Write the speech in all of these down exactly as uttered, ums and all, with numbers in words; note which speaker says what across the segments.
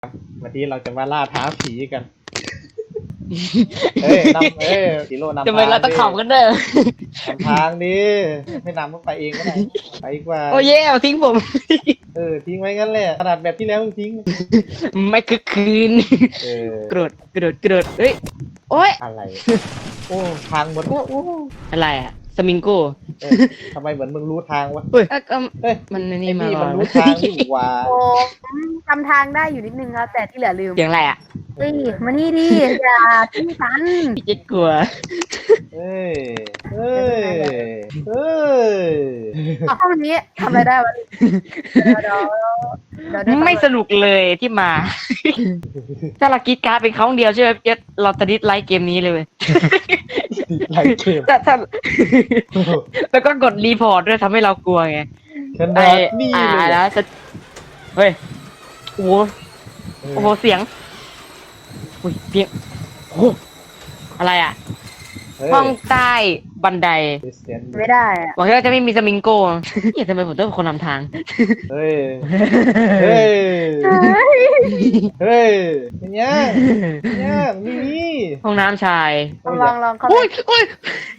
Speaker 1: วันนี้เราจะมาล่าท้าผีกันเฮ้ยนำเอ้ยสีโร่นำทาง
Speaker 2: ทำไมเราต้องขำกันเด้อน
Speaker 1: ำทางดิไม่นำก็ไปเองก็ได้ไปดีกว่า
Speaker 2: โอ้ยเย่เอาทิ้งผม
Speaker 1: เออทิ้งไว้งั้นแหละขนาดแบบที่แล้วมึงทิ้ง
Speaker 2: ไม่คึกคืน
Speaker 1: เออก
Speaker 2: ระโดดกระโดดกระโดดเฮ้ยโอ้ย
Speaker 1: อะไรโอ้ทางหมด
Speaker 2: โอ้โอ้อะไรอะสมิงโก้
Speaker 1: เออทำไมเหมือนมึงรู้ทางวะ
Speaker 2: เฮ้ยเอ้ยก็
Speaker 1: เฮ้ย
Speaker 2: มัน
Speaker 1: ไอ้
Speaker 2: นี่มา
Speaker 1: นี่
Speaker 2: ก่
Speaker 1: มั
Speaker 2: อน น
Speaker 1: รู้ทางนี่หว่า
Speaker 3: ผมจำทางได้อยู่นิดนึงครับแต่ที่เหลือลืม
Speaker 2: เสียงอะไรอะ
Speaker 3: เฮ้ยมานี่ดิอย่าทิ้งฉัน
Speaker 2: พี่เจ็ดกลัว
Speaker 1: เฮ้ยเฮ้ยเฮ้ย
Speaker 3: เอาห้องนี้ทำอะไรได้วะเดี๋ยวเดี๋ยวเดี๋ยวเดี๋ยว
Speaker 2: ไม่สนุกเลยที่มา ถ้าเราคิดการ์ดเป็นครั้งเดียวใช่ไหมพี่เจ็ดเราจะดิสไลค์เกมนี้เลยเว้ย
Speaker 1: ไล่เกม
Speaker 2: แต่ถ้าแล้วก็กดรีพอร์ตด้วยทำให้เรากลัวไง
Speaker 1: ขนาดนี่
Speaker 2: อ่า
Speaker 1: เลย
Speaker 2: แล้วจะเฮ้ยโอ้โห
Speaker 1: เออ
Speaker 2: โอ้โหเสียงอุ้ยเสียงโอ้โหอะไรอ่ะ
Speaker 1: เฮ้ย
Speaker 2: ห้องใต้บันได
Speaker 1: เสียง
Speaker 3: ไม่ได้อะ
Speaker 2: บอกว่าจะไม่มีสมิงโก้เฮ้ยทำไมผมต้องเป็นคนนำทาง
Speaker 1: เฮ้ยเฮ้ยเฮ้ยเป็นยังเป็นยังนี่นี่
Speaker 2: ห้องน้ำชาย
Speaker 3: ลองลองลองเข้าไป
Speaker 2: อุ้ยอุ้ย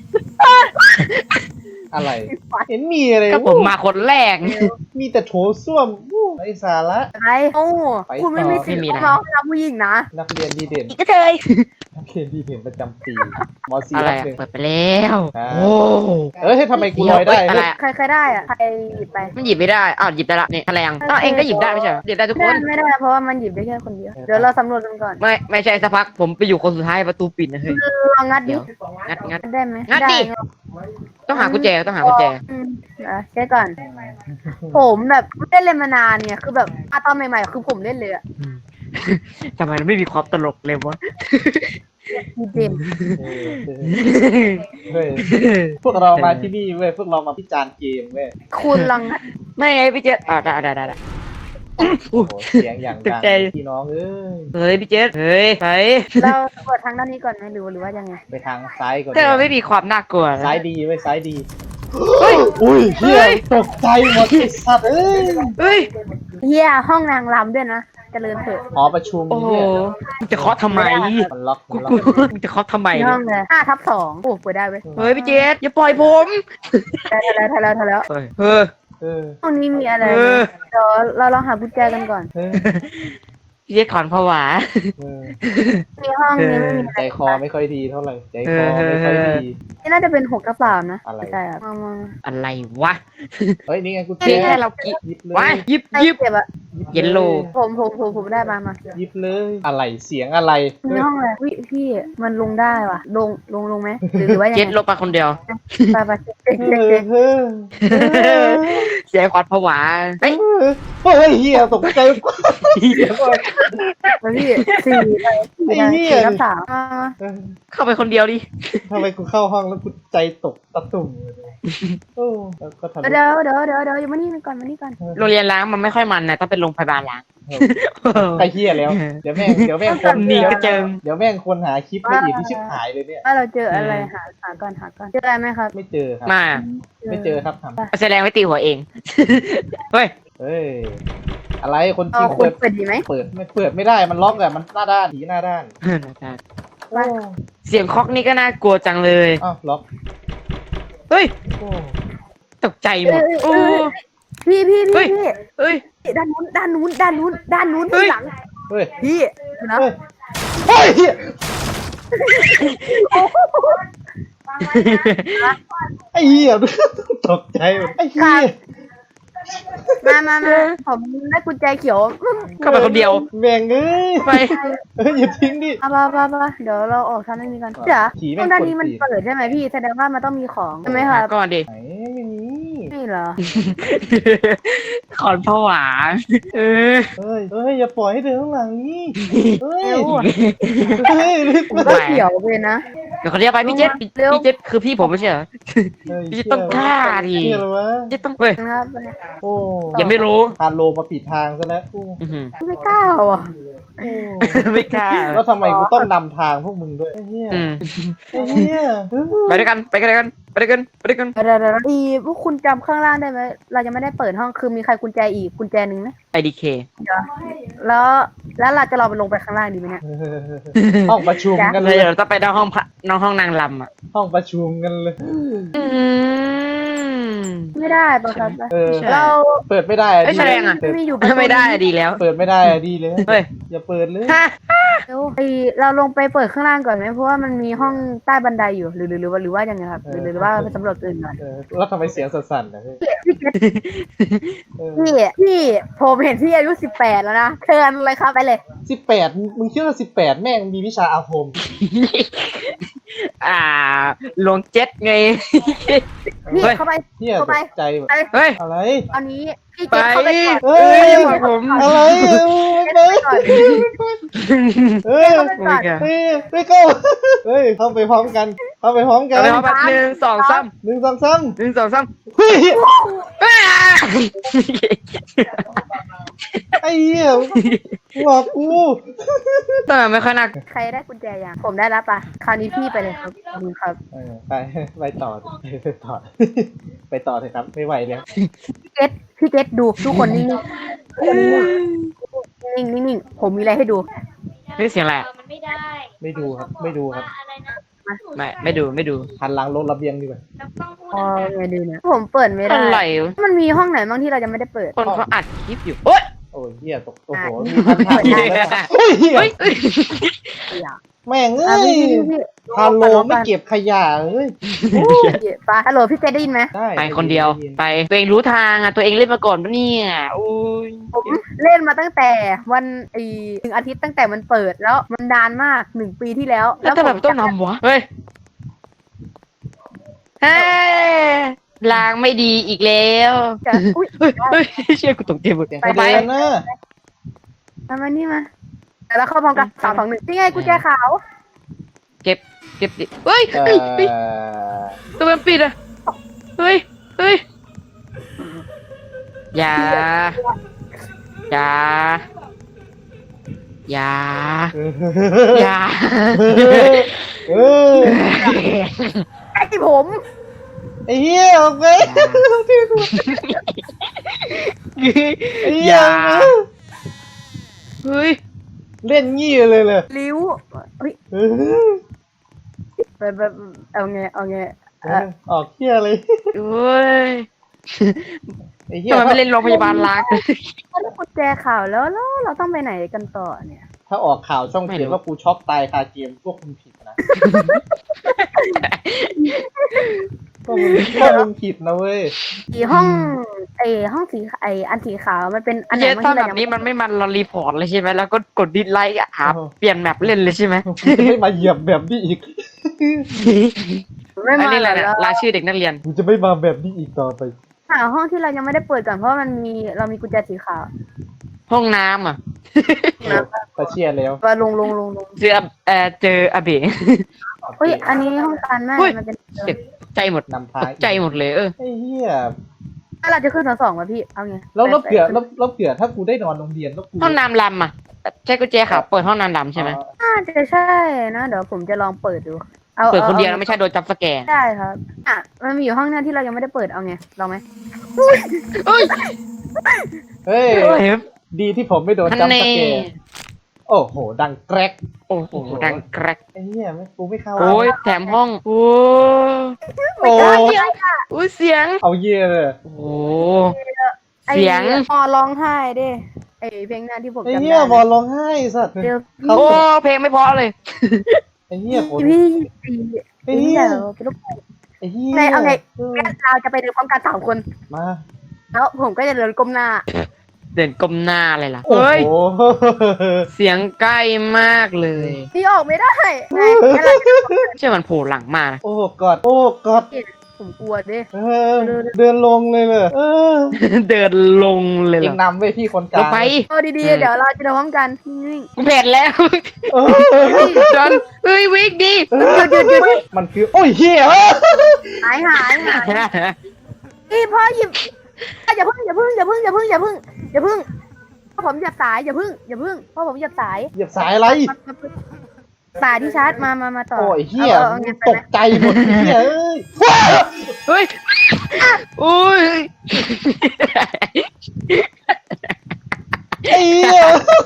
Speaker 1: อะไร เห็นมีอะไร
Speaker 2: ก็ผมมาคนแรก
Speaker 1: มีแต่โถส้วมอู้ไร้สาระ
Speaker 3: อะไรโอ้คุณไม่มีสิทธิ์เข้ามาห้องน้ำผู้หญิงนะ
Speaker 1: นักเรียนดีเด่น
Speaker 2: อีกก็เจย
Speaker 1: นักเรียนดีเด่นประจำปีมสี่
Speaker 2: อะไร
Speaker 1: รับหนึ่ง
Speaker 2: อะเปิดไปแล้ว
Speaker 1: อ่า
Speaker 2: โอ้
Speaker 1: เอ้ยทำไมกูลอยได้
Speaker 2: อะไรอะ
Speaker 3: ใครใครได้อะใครหยิบไป
Speaker 2: มันหยิบไม่ได้อ้าวหยิบได้ละนี่แถลงอ้าวเองก็หยิบได้ไม่ใช่เหรอหยิบได้ทุกค
Speaker 3: ไม่
Speaker 2: น
Speaker 3: ไม่ได้เพราะว่ามันหยิบได้แค่คนเดียวเดี๋ยวเราสำรวจกันก่อน
Speaker 2: ไม่ไม่ใช่สักพักผมไปอยู่คนสุดท้ายประตูปิดนะเฮ้ย
Speaker 3: ลองงัดดิ
Speaker 2: งัดงัด
Speaker 3: ได้ไหม
Speaker 2: งัดดิ
Speaker 3: ไ
Speaker 2: ต้องหากุญแจต้องหากุญแจ
Speaker 3: อืมเดี๋ยวเช็คก่อน ผมแบบไม่ได้เล่นมานานเนี่ยคือแบบอะตอนใหม่ๆคือผมเล่นเลยอะ
Speaker 2: ทำไมเราไม่มีความตลกเลยวะ
Speaker 3: ดีเจม
Speaker 1: เออเฮ้ยพวกเรามาที่นี่เว้ยพวกเรามาพิจารณ์เกมเว้ย
Speaker 3: คุณลองงัด
Speaker 2: ไม่ไงพี่เจษอ่าได้ได้ได้ได้
Speaker 1: โอ้โหเสียงอย่าง
Speaker 2: ต
Speaker 1: ดั
Speaker 2: ก
Speaker 1: ง
Speaker 2: ใจ
Speaker 1: พี่น้องเอ้ย
Speaker 2: เฮ้ยพี่เจษเฮ้ยไป
Speaker 3: เรากดทางด้านนี้ก่อนไหมหรือหรือว่ายังไง
Speaker 1: ไปทางซ้ายก่อน
Speaker 2: แต่เราไม่มีความน่ากลัวนะ
Speaker 1: ซ้ายดีเว้ยซ้ายดีเฮ้ยอุ้ยเฮียตกใจหมดไอ้สัตว์เอ้ย
Speaker 2: เฮ้ย
Speaker 3: เฮียห้องนางรำด้วยนะเจริญเถอะ
Speaker 1: หอประชุม
Speaker 2: โอ้โห
Speaker 1: เนี่ย
Speaker 2: มึงจะเคาะทำไม
Speaker 1: มันล็อก
Speaker 2: กู
Speaker 1: มันล็
Speaker 2: กู
Speaker 1: อก
Speaker 2: มึงจะเคาะทำไม
Speaker 3: ใน
Speaker 2: เนี่
Speaker 3: ห้อย งเลยห้าทับสองโอ้เปิดได้เว้ย
Speaker 2: เฮ้ยพี่เจษอย่าปล่อยผม
Speaker 3: ได้ได้ได้แล้วได้แล้ว
Speaker 2: เฮ้ยเฮ้ย
Speaker 1: เออ
Speaker 3: ห้องนี้มีอะไร
Speaker 2: เออ
Speaker 3: เดี๋ยวเราลองหากุญแจกันก่อน
Speaker 1: เออ
Speaker 2: พี่เจษถอนผวา
Speaker 1: เออ
Speaker 3: มีห้องนี้ไม่มีอะ
Speaker 1: ใจ
Speaker 3: ไร
Speaker 1: คอไม่ค่อยดีเท่าไหร่ใจคอไม่ค่อยดี
Speaker 3: นี่น่าจะเป็นหกทับสามนะ
Speaker 1: อะไร
Speaker 3: ใช่ครับมามา
Speaker 2: อะไรวะ
Speaker 1: เฮ้ยนี่ไงกู
Speaker 2: เจ๊ให้เรากิ
Speaker 1: หยิบเล
Speaker 2: ว้าย
Speaker 1: ย
Speaker 2: หยิบ
Speaker 3: ใคร
Speaker 2: หยิบ
Speaker 3: เก็บอะ
Speaker 1: หบ
Speaker 2: เยลโล่
Speaker 3: ผมผมผมผมได้มามา
Speaker 1: หยิบเลยอะไรเสียงอะไร
Speaker 3: มีห้องอะไรวิพี่มันลงได้ว่ะ ลงลงลงไหมหรือหรือว่ายัง
Speaker 2: เจ็ด
Speaker 3: ไง
Speaker 2: ลงไปคนเดียว
Speaker 3: ไปไปเช็ค
Speaker 1: เอ
Speaker 3: เช็ค
Speaker 1: อ
Speaker 3: เช็ค
Speaker 1: เออเออ
Speaker 2: เสียขวัญผวาเฮ้ย
Speaker 1: เฮ้ยเฮียตกใจเสียงอะไร
Speaker 3: ไปพี่สี่ไปสี่
Speaker 1: ไอ้
Speaker 3: ได้
Speaker 1: เหี้ย
Speaker 3: สี่ทับสามมามา
Speaker 1: เออ
Speaker 2: เข้าไปคนเดียวดิ
Speaker 1: ทำไมกูเข้าห้องแล้วกูใจตกตะตุ่มเลยโอ้แล้วก็ทำ
Speaker 3: เดี๋ยวเดี๋ยวเดี๋ยวเดี๋ยวอยู่มานี่ก่อนมานี่ก่อน
Speaker 2: โรงเรียนล้างมันไม่ค่อยมันนะต้องเป็นโรงพยาบาลล้าง
Speaker 1: ใครเฮียแล้ว เดี๋ยวแม่งเดี๋ยวแม่งคน
Speaker 2: นี่ก็เจิง
Speaker 1: เดี๋ยวแม่งคนหาคลิปละเอียดที่ชิบหายเลยเนี่ย
Speaker 3: ว่าเราเจออะไรหาหาก่อนหาก่อนเจออะไรไหมครับ
Speaker 1: ไม่เจอครับ
Speaker 2: มา
Speaker 1: ไม่เจอครับทำ
Speaker 2: แสดงไว้ตีหัวเอง เฮ้ย
Speaker 1: เฮ้ยอะไรคนจ
Speaker 3: เอา
Speaker 1: ริง
Speaker 3: คุ
Speaker 1: เปิ
Speaker 3: ณ
Speaker 1: ด
Speaker 3: เปิดดีไหม
Speaker 1: เปิดไม่เปิดไม่ได้มันล็อกอะมันหน้าด้านผีหน้าด้าน
Speaker 3: ไป
Speaker 2: เสียงเคอกนี่ก็น่ากลัวจังเลย
Speaker 1: อ้าวล็อก
Speaker 2: เฮ้ย
Speaker 1: โอ้
Speaker 2: ตกใจหมดโอ้
Speaker 3: พี่พี่
Speaker 2: เฮ้
Speaker 3: พี่
Speaker 2: ย
Speaker 3: พี่
Speaker 2: เฮ้ย
Speaker 3: ด้านนู้นด้านนู้นด้านนู้นด้านนู้น
Speaker 2: เฮ้ย
Speaker 3: ที่หลัง
Speaker 1: เฮ้ย
Speaker 3: พี่ดูนะ
Speaker 1: เฮ้ยเฮ้ยเหี้ยไอ้เหี้ยตกใจหมดไอ้เหี้ย
Speaker 3: มามามาผมได้กุญแจเขียว
Speaker 2: เข้าไปคนเดียว
Speaker 1: แม่งเอ้ย
Speaker 2: ไป
Speaker 1: เฮ้ยอย่าทิ้งดิ
Speaker 3: เอาไปไปไปเดี๋ยวเราออกทางนี้กันเดี๋ยว
Speaker 1: ผีแม่ง
Speaker 3: ตรงด้านนี้มัน
Speaker 1: กวนตีน
Speaker 3: เปิดใช่ไหมพี่แสดงว่ามันต้องมีของใช่ไหมครับ
Speaker 2: ก่อนดิ
Speaker 1: ไหนไม่มี
Speaker 3: นี่เหรอ
Speaker 2: ขอนผวาเออ
Speaker 1: เฮ้ยเฮ้ยอย่าปล่อยให้เดินข้างหลังนี่เฮ้ย
Speaker 3: เร็วอะ
Speaker 1: เฮ้ยรีบ
Speaker 3: ผมก็เขียวไปนะ
Speaker 2: เดี๋ยวเขาเรียกไปพี่เจษพี่
Speaker 3: เร็ว
Speaker 2: พี่เจษคือพี่ผมไม่ใช่เหรอ พี่จะต้องกล้าดิ
Speaker 1: เหี้ยอะไรวะ
Speaker 2: เจษต้องเฮ้ย
Speaker 3: นะครับ
Speaker 1: โอ้
Speaker 2: ยังไม่รู้
Speaker 1: พาโลมาปิดทางซะแล้วโอ้
Speaker 2: อื้อหือ
Speaker 3: ไม่กล้าว่ะ
Speaker 2: ไม่กล้า
Speaker 1: แล้วทำไมกูต้องนำทางพวกมึงด้วยไอ้เหี้ย
Speaker 2: อืม
Speaker 1: ไอ้เหี้ย
Speaker 2: ไปด้วยกันไปกันด้วยกันไปด้วยกันไปด้วยกัน
Speaker 3: เดี๋ยวเดี๋ยวอีพวกคุณจำข้างล่างได้ไหมเรายังไม่ได้เปิดห้องคือมีใครกุญแจอีกกุญแจหนึ่งไหม
Speaker 2: ไอดีเค
Speaker 3: เดี๋ยวแล้วแล้วเราจะลองไปลงไปข้างล่างดีไหมเนี่ย
Speaker 1: ห้องประชุมกันเล
Speaker 2: เลย
Speaker 1: ย
Speaker 2: เดี๋ยวเราต้องไปนอกห้องพระนอกห้องนางลำอ่ะ
Speaker 1: ห้องประชุมกันเลย
Speaker 2: อืม
Speaker 3: ไม่ได้ปะครับ
Speaker 1: เออ
Speaker 2: ใช่
Speaker 3: เรา
Speaker 1: เปิดไม่ได้อะ
Speaker 2: เอ้ย
Speaker 1: ดี
Speaker 2: แสดงอะ
Speaker 1: เปิด
Speaker 3: ไม่อยู่ประตู
Speaker 2: ไม่ได้อะดีแล้ว
Speaker 1: เปิดไม่ได้อะดีเลย
Speaker 2: เฮ้ย
Speaker 1: อย่าเปิดเลย
Speaker 2: ฮะ
Speaker 3: เดี๋ยวไอเราลงไปเปิดข้างล่างก่อนไหมเพราะว่ามันมีห้องใต้บันไดอยู่หรือหรือหรือว่าหรือว่ายังไงครับหรือหรือว่าไปสำรวจอื่นก่อน
Speaker 1: เออแล้วทำไมเสียงสั่นๆนะพี่
Speaker 3: พี่เกด
Speaker 1: เออ
Speaker 3: พี่พี่ผมเห็นพี่อายุสิบแปดแล้วนะเชิญเลยครับไปเลย
Speaker 1: สิบแปดมึงคิดว่าสิบแปดแม่งมีวิชาอาคม
Speaker 2: อ่าลงเจ็ตไง
Speaker 3: พี่
Speaker 2: เฮ้ย
Speaker 3: เข้าไป
Speaker 1: เหี้ย
Speaker 3: เข้า
Speaker 1: ต
Speaker 3: ไป
Speaker 1: กใจหมด
Speaker 3: ไป
Speaker 2: เฮ้ย
Speaker 1: อะไร
Speaker 3: ตอนนี้พี่
Speaker 2: ไป
Speaker 3: เกดเข้าไปก่อน
Speaker 1: เฮ้ย
Speaker 2: เอ้ยผม
Speaker 1: อะไรเออไป
Speaker 3: เกดเข้าไปก่อน
Speaker 1: เฮ้ย
Speaker 3: เข้าไปก่อน
Speaker 1: เฮ้ยไม่เข้าเฮ้ยเข้าไปพร้อมกันเข้าไปพร้อมกัน
Speaker 2: เอาไปพร้อมกันหนึ่งสองสาม
Speaker 1: หนึ่งสองสาม
Speaker 2: หนึ่งสองสาม
Speaker 1: เฮ้ย
Speaker 2: อ้า
Speaker 1: ไอ้เหี้ยหลอกกู
Speaker 2: ทำไมไม่ค่อยน่า
Speaker 3: ใครได้กุญแจยังผมได้แล้วปะคราวนี้พี่ไปเลยครับขอบคุณครับ
Speaker 1: เออไปไปต่อไปต่อไปต่อเถอะครับไม่ไหวแล้ว
Speaker 3: พี่เกดพี่เกดดูทุกคนนิ่งๆนิ่งๆนิ่งๆผมมีอะไรให้ดู
Speaker 2: นี่เสียงอะไรอะ
Speaker 4: มันไม่ได้
Speaker 1: ไม่ดูครับไม่ดูครับ
Speaker 4: อะไรนะ
Speaker 2: ไม่ไม่ดูไม่ดู
Speaker 1: หันหลังลงระเบียงดีกว่า
Speaker 4: แล้วต้องพูด
Speaker 3: อ๋อไงดูนะผมเปิดไม่ได้
Speaker 2: อะไรวะ
Speaker 3: มันมีห้องไหนบ้างที่เรายังไม่ได้เปิด
Speaker 2: คนเขาอัดคลิปอยู่โอ๊ย
Speaker 1: โอ้ยเหี้ยตกโอ้โห
Speaker 3: อ่ะ
Speaker 1: มีพันธะ
Speaker 3: เปิดได้
Speaker 1: เฮ้ยเหี้ย
Speaker 2: เฮ้ยเฮ้ย
Speaker 1: แม่งเอ้
Speaker 3: อ่ะ
Speaker 1: ย
Speaker 3: พี่พี่พี่
Speaker 1: พาโลไม่เก็บขยะเอ้ย
Speaker 3: โอ้ยไปฮัลโหลพี่เจได้ยินไหม
Speaker 1: ได้
Speaker 2: ไปคนเดียวไปตัวเองรู้ทางอ่ะตัวเองเล่นมาก่อนปะเนี่ยอุ้ย
Speaker 3: ผมเล่นมาตั้งแต่วันไอีหนึ่งอาทิตย์ตั้งแต่มันเปิดแล้วมันนานมากหนึ่งปีที่แล้ว
Speaker 2: แล้วแต่แบบต้องนำวะเฮ้ยเฮ้ยลางไม่ดีอีกแล้ว
Speaker 3: จะอุ้ย
Speaker 2: เฮ้ยเฮ้ยเชื่อกูตกใจหมด
Speaker 1: เสียง
Speaker 3: ไป
Speaker 1: ไป
Speaker 3: ไป
Speaker 1: นะ
Speaker 3: เอามานี่มาแต่เราเข้าพร้อมกันสามสองหนึ่งนี่ไงกุญแจขาว
Speaker 2: เก็บเก็บดิเฮ้ย
Speaker 1: เอ่
Speaker 2: เฮ้ยเฮ้ย
Speaker 1: อ
Speaker 2: ตัวมันปิดอ่ะเฮ้ยเฮ้ยอย่าอย่าอย่าอย่า
Speaker 1: เออ
Speaker 3: ไอ้ผม
Speaker 1: ไอ้เหี้ยออกไปไอ้เหี้
Speaker 2: อย่าเฮ้ย
Speaker 1: เล่นงี้เลยเลย
Speaker 3: ลิ้วเฮ้ย
Speaker 1: เออ
Speaker 3: ไปไปเอาไงเอาไง
Speaker 1: เออออกเหี้ยเลย
Speaker 2: เฮ้ย
Speaker 1: ไอ้เหี้ย
Speaker 2: ทำไมไม่เล่นโรงพยาบาลล้าง
Speaker 3: ถ้าได้กุญแจขาวแล้วแล้วเราต้องไปไหนกันต่อเนี่ย
Speaker 1: ถ้าออกข่าวช่อง
Speaker 2: ไม่
Speaker 1: เขียน
Speaker 2: รู้
Speaker 1: ว่ากูช็อกตายคาเกมพวกคุณผิดนะพวกมึงพวกมึงผิดนะเว้ย
Speaker 3: สีห้องไอห้องสีไออันสีขาวมันเป็นอันไหน
Speaker 2: เย้
Speaker 3: บ้าง
Speaker 2: ถ้า
Speaker 3: ที่
Speaker 2: แบ
Speaker 3: เรา
Speaker 2: บ
Speaker 3: ยัง
Speaker 2: นี้
Speaker 3: ไม่
Speaker 2: มันไม่มันเรารีพอร์ตเลยใช่ไหมแล้วก็กดดิสไลค์อ่ะหา
Speaker 1: โอ้
Speaker 2: เปลี่ยนแมปเล่นเลยใช่ไหม
Speaker 1: กูจะไม่มาเหยียบแบบนี้อีก
Speaker 3: ไม่
Speaker 2: อัน
Speaker 3: มา
Speaker 2: นี้แหละ
Speaker 3: แล้ว
Speaker 2: รายชื่อเด็กนักเรียน
Speaker 1: กูจะไม่มาแบบนี้อีกต่อไป
Speaker 3: หาห้องที่เรายังไม่ได้เปิดก่อนเพราะว่ามันมีเรามีกุญแจสีขาว
Speaker 2: ห้องน้ำอ่ะ
Speaker 1: ตะเชียแล้ว
Speaker 3: ว่าลงลงลงลง
Speaker 2: เจอเอ่อเจออาเบะ
Speaker 3: เฮ้ยอันนี้ห้องการแม่
Speaker 2: เฮ้ย
Speaker 3: มันเป็น
Speaker 2: เจ็บใจหมด
Speaker 1: นำพา
Speaker 2: ตกใจหมดเลยเออ
Speaker 1: ไอ้เหี้ย
Speaker 3: ถ้าเราจะขึ้นสองสองมาพี่เอาไง
Speaker 1: แล้วแล้ว
Speaker 3: ไป
Speaker 1: เผื่อ
Speaker 3: ไป
Speaker 1: แล้วแล้วเผื่อถ้ากูได้นอนโรงเรียนแล้วกู
Speaker 2: ห้องน้ำลำอ่ะใช่กุญแจขาวเปิดห้องน้ำลำใช่ไหม
Speaker 3: น่าจะใช่นะเดี๋ยวผมจะลองเปิดดูเอา
Speaker 2: เปิดคนเดียว
Speaker 3: อา
Speaker 2: แล้วไม่ใช่โดนจับสแกน
Speaker 3: ได้ครับอ่ะมันมีอยู่ห้องนึงที่เรายังไม่ได้เปิดเอาไงลองไหม
Speaker 2: เอ้ย
Speaker 1: เฮ้ย
Speaker 2: เฮ้ย
Speaker 1: ดีที่ผมไม่โดน
Speaker 2: ฮัน
Speaker 1: จัมป์
Speaker 2: เน่
Speaker 1: สแกร์โอ้โห ดังแกรก
Speaker 2: โอ้โหดังแกรก
Speaker 1: ไอ้เหี้ยไม่กูไม่เข้า
Speaker 2: โอ้ยแถมห้องโอ้
Speaker 1: โอ้
Speaker 2: โอ้ยเสียง
Speaker 1: เอาเยี่ยเลย
Speaker 2: โอ้
Speaker 3: ไอ้
Speaker 2: เสียง
Speaker 3: พอร้องไห้ดิไอ้เพลงนั้นที่ผม
Speaker 1: ไอ้
Speaker 3: จำ
Speaker 1: เหี้ย
Speaker 3: ได้
Speaker 1: บอลร้องไห้สัตว์
Speaker 3: เดี๋ยว
Speaker 1: เขา
Speaker 2: โอ้เพลงไม่เพราะเลย
Speaker 1: ไอ้เหี้ยฝน
Speaker 3: พี่พี่
Speaker 1: ไอ้
Speaker 3: พี่
Speaker 1: เหี้ย
Speaker 3: เดี๋ยวไปรบกวน
Speaker 1: ไอ้เหี้ย
Speaker 3: ไงเอาไง
Speaker 1: เออ
Speaker 3: งั้นเราจะไปเดินพร้อมกันสามคน
Speaker 1: มา
Speaker 3: แล้วผมก็จะเดินก้มหน้า
Speaker 2: เดินก้มหน้าเลยล่ะ
Speaker 1: โอ้
Speaker 2: เฮ้ย
Speaker 1: โห
Speaker 2: เสียงใกล้มากเลย
Speaker 3: พี่ออกไม่ได้ไงงั้นเราจะ
Speaker 2: เชื่อมันโผล่หลังมานะ
Speaker 1: โอ้กอดโอ้กอด
Speaker 3: ผมกลัวดิ
Speaker 1: เออเดินลงเลยเลยเออ
Speaker 2: เดินลงเลย
Speaker 1: เอ
Speaker 2: เหรง อน
Speaker 1: ำไว้พี่คนก
Speaker 2: ล
Speaker 1: ลาง ง
Speaker 2: ไป
Speaker 3: เอาดีๆเดี๋ยวเราจะเดินพร้อมกันนิ่ง
Speaker 2: กูเผ็ดแล้ว
Speaker 1: เออ
Speaker 2: จอนเฮ้ยวิกดี
Speaker 1: เออมันคือโอ้ยเหี้ย
Speaker 3: ๆหายหายหายพี่พ่อหยิบอย่าเพิ่งอย่าเพิ่งอย่าเพิ่งอย่าเพิ่งอย่าเพิ่งอย่าเพิ่งผมเหยียบสายอย่าพึ่งอย่าพึ่งเพราะผมเหยียบสาย
Speaker 1: เหยียบสายอะไร
Speaker 3: สายที่ชาร์จมามามาต่อ
Speaker 1: โอ้ยเฮีย
Speaker 3: อาอา
Speaker 1: มึ
Speaker 3: งั้
Speaker 1: ง
Speaker 3: นไป
Speaker 1: ต
Speaker 3: ไหม
Speaker 1: กใจหมดเฮียเอ้ย
Speaker 2: เฮ้ยอุ้ย
Speaker 1: ไอ้เหี้ย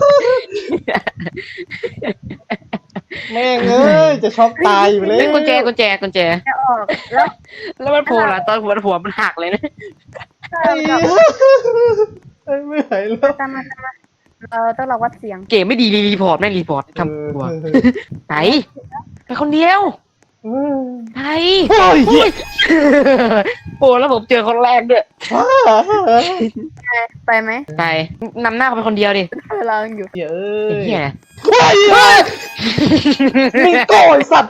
Speaker 1: แม่งเอ้ยจะช็อกตายอยู่เลย
Speaker 2: เฮ้ยกุญแจกุญแจกุญแจ
Speaker 3: จะออกแล้ว
Speaker 2: แล้วมันโผล่ละตอนหัวหัวมันหักเลยนะ
Speaker 1: ไอ้เหี้ยไอ้ไม่ไหวแล้ว
Speaker 3: ตามมาตามมาเราต้องรอวัดเสียง
Speaker 2: เก๋ไม่ดีรีพอร์ตแม่งรีพอร์ตทำตัวไปไปคนเดียวไป
Speaker 1: โอ้ยเหี้ย
Speaker 2: โอ้แล้วผมเจอคนแรกด้วย
Speaker 3: ไปไหม
Speaker 2: ไปนำหน้าเขาไปคนเดียวดิ
Speaker 3: เราอยู่
Speaker 1: เหี้ยเอ้
Speaker 2: ไอ้
Speaker 1: ย
Speaker 2: เหี้ย
Speaker 1: เฮ้ยเฮ้ยมึงโกรธสัตว์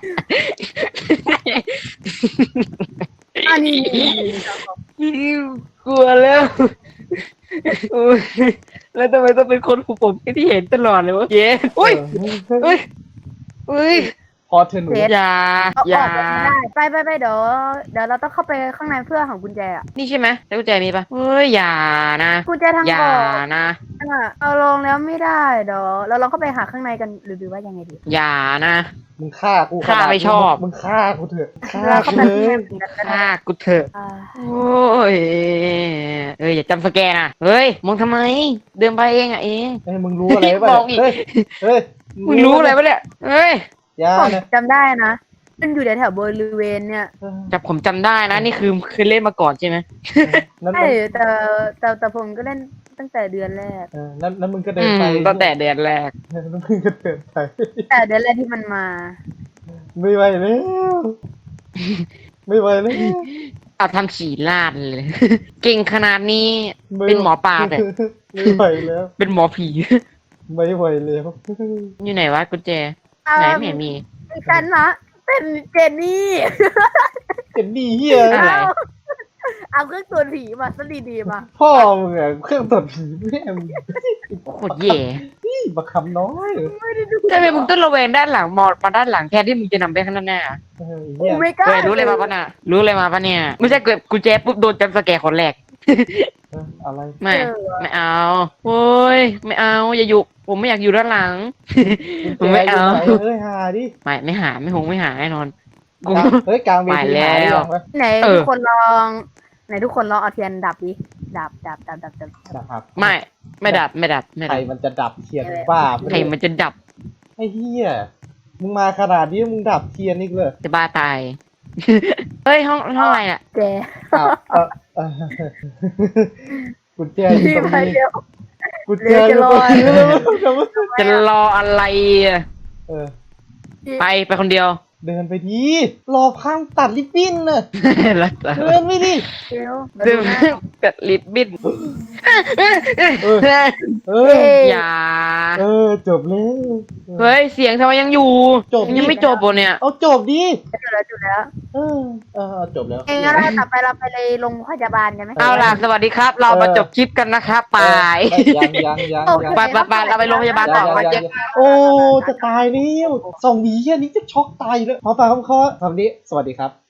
Speaker 3: อันนี้
Speaker 2: กลัวแล้วโอ้ยแล้วทำไมต้องเป็นคนของผมที่เห็นตลอดเลยวะเย้อุ้ยอุ้ยอุ้ย
Speaker 1: พอเธอหนู
Speaker 2: อย่า
Speaker 3: เอา
Speaker 2: อย่า
Speaker 3: ออกไม่ได้ไปไปไปเดี๋ยวเดี๋ยวเราต้องเข้าไปข้างในเพื่อของกุญแจอ่ะ
Speaker 2: นี่ใช่ไหมแล้วกุญแจมีปะเฮ้ยอย่านะ
Speaker 3: กุญแจทาง
Speaker 2: อย่า
Speaker 3: ออก
Speaker 2: นะ
Speaker 3: อ่ะเราลงแล้วไม่ได้เดี๋ยวเราลองเข้าไปหาข้างในกันหรือดูว่ายังไงดี
Speaker 2: อย่านะ
Speaker 1: มึงฆ่ากู
Speaker 2: ฆ่าไม่ชอบ
Speaker 1: มึงฆ่ากูเถอะฆ่า
Speaker 3: เราเข้า
Speaker 1: กู
Speaker 3: ไป
Speaker 1: เล
Speaker 3: ข้างใน
Speaker 1: ย
Speaker 3: กันก็ได้
Speaker 2: ฆ่ากูเถอะ
Speaker 3: อ่า
Speaker 2: โอ้ยเอ้ยอย่าจำสแกนนะเฮ้ยมองทำไม เดินไปเองอ่ะเอง
Speaker 1: เฮ้ยมึงรู้อะไรป่ะ
Speaker 2: มองอีก
Speaker 1: เฮ้ยเฮ้ย
Speaker 2: มึงรู้อะไรปะเนี่ยเฮ้ย
Speaker 1: อย่า
Speaker 3: ผม
Speaker 1: นะ
Speaker 3: จำได้นะมันอยู่แถวๆบริเวณเนี่ย
Speaker 2: จับผมจำได้นะนี่คือเคยเล่นมาก่อนใช่ไหม
Speaker 1: นั่น
Speaker 3: ใช่
Speaker 1: มัน
Speaker 3: แต่แต่แต่ผมก็เล่นตั้งแต่เดือนแรก
Speaker 1: เออนั่นนั่นมึงก็เดิ
Speaker 2: อื
Speaker 1: น
Speaker 2: ม
Speaker 1: ไป
Speaker 2: ตั้งแต่เดือนแรก
Speaker 1: นั่นมึงก็เดินไป
Speaker 3: แต่เดือนแรกที่มันมา
Speaker 1: ไม่ไหวแล้วไม่ไหวแล้ว
Speaker 2: เอาทำฉี่ลาดเลย เก่งขนาดนี้
Speaker 1: ไม่
Speaker 2: เป็นหมอปลาเนี่ย
Speaker 1: ไม่ไหวแล้ว
Speaker 2: เป็นหมอผี
Speaker 1: ไม่ไหวแล้ว
Speaker 2: อยู่ไหนวะกุญแจไหนไม่เห็นมี
Speaker 3: ดิฉันนะเป็นเจนนี่
Speaker 1: เจ็บดีเฮีย
Speaker 2: อะไร
Speaker 3: เอาเอาเครื่องตรวจผีมาสดีดีๆมา
Speaker 1: พ่อมึงอะเครื่องตรวจผีแม่มึง
Speaker 2: โคตรแย่
Speaker 1: นี่บักคำน้อย
Speaker 3: ไม่ได้ดู
Speaker 2: ทำไมมึงต้องระแวงด้านหลังมอมาด้านหลังแทนที่มึงจะนำไปข้างหน้า
Speaker 1: เออ
Speaker 3: โอ้
Speaker 1: เฮีย
Speaker 3: ไม่กล้า
Speaker 2: เฮ้ยรู้เลยมาปะน่ะรู้เลยมาปะเนี่ยไม่ใช่เกิดกุญแจปุ๊บโดนจำสแกร์คนแรก
Speaker 1: เอออะไร
Speaker 2: ไม่ ไม่เอา โอ้ย ไม่เอา อย่าอยู่ ผมไม่อยากอยู่ด้านหลัง ผมไม่เอา
Speaker 1: กุญแจยู่ไหนเอ้ยหาดิ
Speaker 2: ไม่ ไม่หา ไม่หงไม่หาแน่นอน กู
Speaker 1: กลางเฮ้ยกลางเวที
Speaker 2: ไปแล้ว
Speaker 1: หาดิยังวะ
Speaker 3: ไหน
Speaker 2: เออ
Speaker 3: ทุกคนลองไหนทุกคนลองเอาเทียนดับดิดับดับดับดับดับ
Speaker 1: ดับครับ
Speaker 2: ไม่ ไม่ดับ ไม่ดับ ไม่
Speaker 1: ใคร
Speaker 2: ดับ
Speaker 1: มันจะดับเทียนบ้าปะ
Speaker 2: ใคร
Speaker 1: เนี่ย
Speaker 2: มันจะดับ
Speaker 1: ไอ้เฮียมึงมาขนาดนี้มึงดับเทียนอีกเลย
Speaker 2: จะบ้าตาย เฮ้ย ห้องห้องอะไรน่ะ
Speaker 3: แก
Speaker 1: อ้าวเออเออกุญแจอยู่
Speaker 3: พี่
Speaker 1: ตรง
Speaker 3: มา
Speaker 1: นี้
Speaker 3: เร็ว
Speaker 1: กุญแจอยู่ตรงนี้
Speaker 3: เร็ว
Speaker 2: จะรออะไรอะ
Speaker 1: เออ
Speaker 2: ไป ไปคนเดียว
Speaker 1: เดินไปดีรอพังตัดลิปบิ้นน่ะ
Speaker 2: แล้ว
Speaker 1: เดินไม่ดิ
Speaker 3: เร็ว
Speaker 2: ดึงกัดลิบบิ้น
Speaker 1: เออ เอ
Speaker 3: เอ้
Speaker 1: อย
Speaker 2: อย่า
Speaker 1: เออจบแล้ว
Speaker 2: เฮ้ย เสียงทำไมยังอยู่
Speaker 1: จบ
Speaker 2: ยังไม่จบปะเนี่ย
Speaker 1: เอาจบดิ
Speaker 3: จุดแล้วจุดแล้ว
Speaker 1: เออเออจบแล้ว
Speaker 3: เองงั้นเราต่อไปเราไปเลยโรงพยาบาลกันไหม
Speaker 2: เอาล่ะ สวัสดีครับ เรามาจบคลิปกันนะครับไป
Speaker 1: เออยังยังยังยัง
Speaker 2: ไปไปไปเราไปโรงพยาบาลต่อมาเจอ
Speaker 1: โอ้จะตายแล้วสองหวีแค่นี้จะช็อกตายแล้วพอฟังคำข้อคำนี้สวัสดีครับ